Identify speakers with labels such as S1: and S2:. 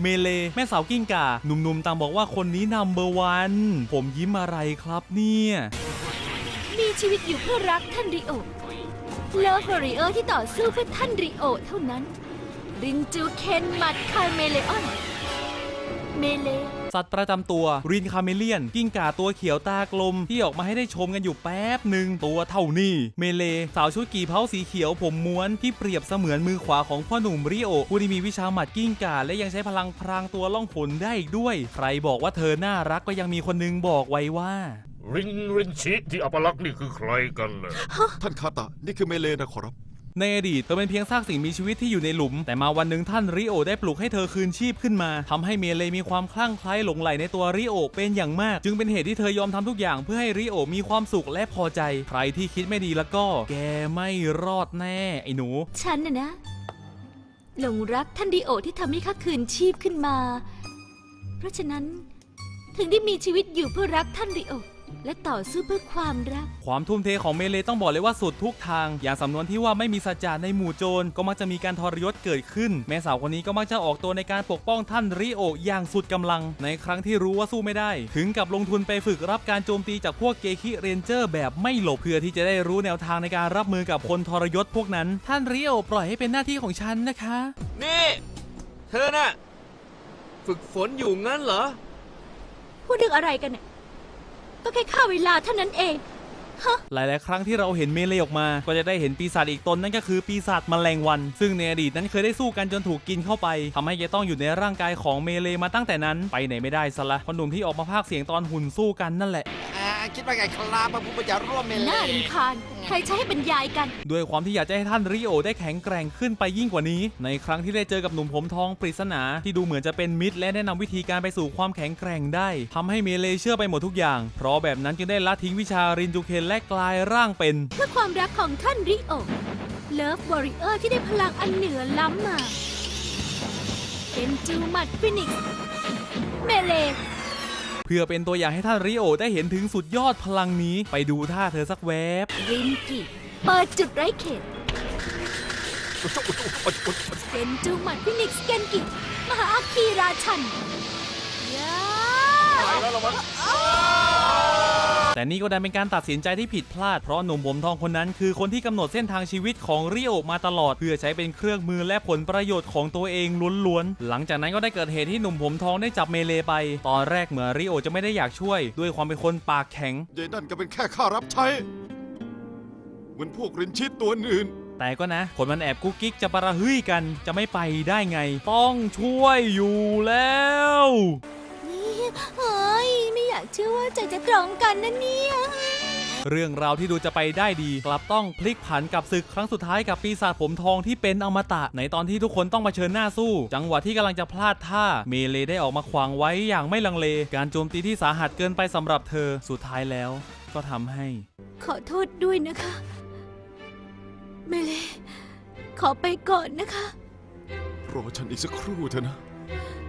S1: เมเลแม่สาวกิ้งก่าหนุ่มๆต่างบอกว่าคนนี้นัมเบอร์วันผมยิ้มอะไรครับเนี่ย
S2: มีชีวิตอยู่เพื่อรักท่านริโอเลิฟวอริเออร์ที่ต่อสู้เพื่อท่านริโอเท่านั้นรินจูเคนมัดคาเมเลออนเมเล
S1: สัตว์ประจำตัวรินคาเมเลียนกิ้งก่าตัวเขียวตากลมที่ออกมาให้ได้ชมกันอยู่แป๊บหนึ่งตัวเท่านี้เมเลสาวชุดกี่เผาสีเขียวผมม้วนที่เปรียบเสมือนมือขวาของพ่อหนุ่มริโอผู้ที่มีวิชาหมัดกิ้งก่าและยังใช้พลังพรางตัวล่องหนได้อีกด้วยใครบอกว่าเธอน่ารักก็ยังมีคนนึงบอกไว้ว่า
S3: รินชิที่อัปลักษณ์นี่คือใครกันเลย
S4: ท่านคาตะนี่คือเมเลนะขอรับ
S1: ในอดีตเธอเป็นเพียงซากสิ่งมีชีวิตที่อยู่ในหลุมแต่มาวันหนึ่งท่านริโอได้ปลุกให้เธอคืนชีพขึ้นมาทำให้เมเลมีความคลั่งไคล้หลงใหลในตัวริโอเป็นอย่างมากจึงเป็นเหตุที่เธอยอมทำทุกอย่างเพื่อให้ริโอมีความสุขและพอใจใครที่คิดไม่ดีแล้วก็แกไม่รอดแน่ไอ้หนู
S2: ฉันนะหลงรักท่านริโอที่ทำให้ข้าคืนชีพขึ้นมาเพราะฉะนั้นถึงได้มีชีวิตอยู่เพื่อรักท่านริโอและต่อสู้เพื่อความรัก
S1: ความทุ่มเทของเมเลต้องบอกเลยว่าสุดทุกทางอย่างสำนวนที่ว่าไม่มีสัจจะในหมู่โจรก็มักจะมีการทรยศเกิดขึ้นแม่สาวคนนี้ก็มักจะออกตัวในการปกป้องท่านริโออย่างสุดกำลังในครั้งที่รู้ว่าสู้ไม่ได้ถึงกับลงทุนไปฝึกรับการโจมตีจากพวกเกคิเรนเจอร์แบบไม่หลบเพื่อที่จะได้รู้แนวทางในการรับมือกับคนทรยศพวกนั้นท่านริโอปล่อยให้เป็นหน้าที่ของฉันนะคะ
S5: นี่เธอน่ะฝึกฝนอยู่งั้นเหรอ
S2: พูดเรื่องอะไรกันเนี่ยก็แค่ฆ่าเวลาเท่านั้นเอง
S1: หลายๆครั้งที่เราเห็นเมเลออกมาก็จะได้เห็นปีศาจอีกตนนั่นก็คือปีศาจแมลงวันซึ่งในอดีตนั้นเคยได้สู้กันจนถูกกินเข้าไปทำให้แกต้องอยู่ในร่างกายของเมเลมาตั้งแต่นั้นไปไหนไม่ได้ซะละคนหนุ่มที่ออกมาพากย์เสียงตอนหุ่นสู้กันนั่นแหละ
S5: คิดว่าไงครับพระผู้บัญชาร่วมเมเล
S2: น่ารำคาญใครใช้ให้บรรยายกัน
S1: ด้วยความที่อยากจะให้ท่านริโอได้แข็งแกร่งขึ้นไปยิ่งกว่านี้ในครั้งที่ได้เจอกับหนุ่มผมทองปริศนาที่ดูเหมือนจะเป็นมิตรและแนะนำวิธีการไปสู่ความแข็งแกร่งได้ทำให้เมเลเชื่อไปหมดทุกอย่างเพราะแบบนั้นจึงได้ละทิ้งวิชารินจูเคนและกลายร่างเป็น
S2: เพื่อความรักของท่านริโอเลิฟวอริเออร์ที่ได้พลังอันเหนือล้ำมาเป็นจูมัดฟินิกซ์เมเล
S1: เพื่อเป็นตัวอย่างให้ท่านริโอได้เห็นถึงสุดยอดพลังนี้ไปดูท่าเธอสักแวบ
S2: รินกิเปิดจุดไร้เขตเป็นจูมัดฟินิกซ์เกนกิมหาอาคีราชัน
S1: แต่นี่ก็ดันเป็นการตัดสินใจที่ผิดพลาดเพราะหนุ่มผมทองคนนั้นคือคนที่กำหนดเส้นทางชีวิตของริโอมาตลอดเพื่อใช้เป็นเครื่องมือและผลประโยชน์ของตัวเองล้วนๆหลังจากนั้นก็ได้เกิดเหตุที่หนุ่มผมทองได้จับเมเลไปตอนแรกเหมือนริโอจะไม่ได้อยากช่วยด้วยความเป็นคนปากแข็ง
S4: ยายนั่นก็เป็นแค่ข้ารับใช้เหมือนพวกรินชิตตัวอื่น
S1: แต่ก็นะคนมันแอบกุ๊กกิ๊กจะประหึ่ยกันจะไม่ไปได้ไงต้องช่วยอยู่แล้ว
S2: เฮ้ยไม่อยากเชื่อว่าใจจะตรงกันนะเนี่ย
S1: เรื่องราวที่ดูจะไปได้ดีกลับต้องพลิกผันกับศึกครั้งสุดท้ายกับปีศาจผมทองที่เป็นอมตะในตอนที่ทุกคนต้องมาเผชิญหน้าสู้จังหวะที่กำลังจะพลาดท่าเมเลได้ออกมาขวางไว้อย่างไม่ลังเลการโจมตีที่สาหัสเกินไปสำหรับเธอสุดท้ายแล้วก็ทำให้
S2: ขอโทษด้วยนะคะเมเลขอไปก่อนนะคะ
S4: รอฉันอีกสักครู่เถอะนะ